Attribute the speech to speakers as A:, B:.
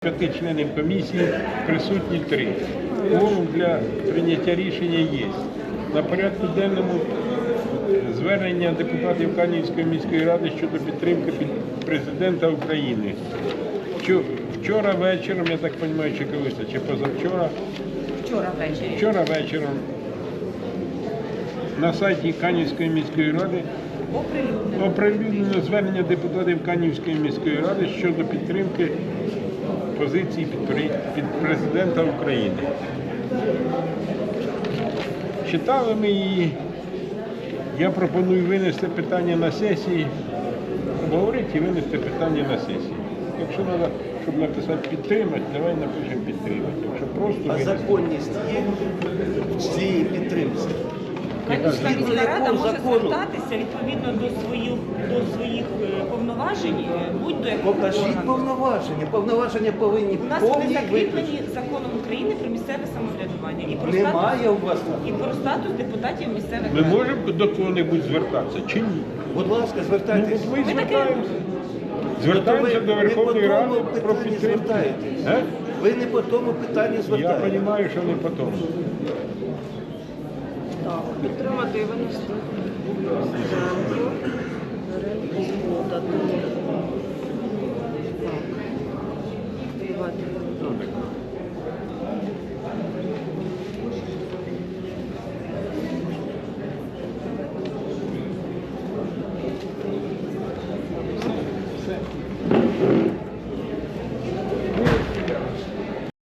A: 5 членів комісії присутні 3. Кворум для прийняття рішення є. На порядку денному звернення депутатів Канівської міської ради щодо підтримки президента України. Вчора вечором, я так розумію, чи колись, чи позавчора? Вчора вечором на сайті Канівської міської ради оприлюднено звернення депутатів Канівської міської ради щодо підтримки позиції під президента України. Читали ми її. Я пропоную винести питання на сесії, обговорити і винести питання на сесії. Якщо треба, щоб написати підтримати, давай напишемо підтримати. Якщо просто
B: А
A: винести.
B: законність є в цій підтримці?
C: Канівська міська рада може звертатися відповідно до своїх повноважень, будь-до якого
B: Покажіть
C: органу.
B: повноваження. Повноваження повинні
C: У нас вони
B: повні
C: закріплені
B: виключити.
C: законом України про місцеве самоврядування і про
B: Немає у вас.
C: статус депутатів місцевих
A: Ми
C: рад.
A: можемо до кого-небудь звертатися чи ні?
B: Будь ласка,
A: Ну,
B: звертайтесь.
A: от ми
C: Ми таке
A: звертаємося. Звертаємося
B: Ви
A: до Верховної
B: не по
A: Ради
B: тому
A: про
B: питанні
A: підтримку.
B: звертаєтесь.
A: Е?
B: Ви не по тому питанню
A: Я
B: звертаєтесь.
A: розумію, що не по тому.
D: Так, підтримати і винести Землю, згода. Так. Давайте.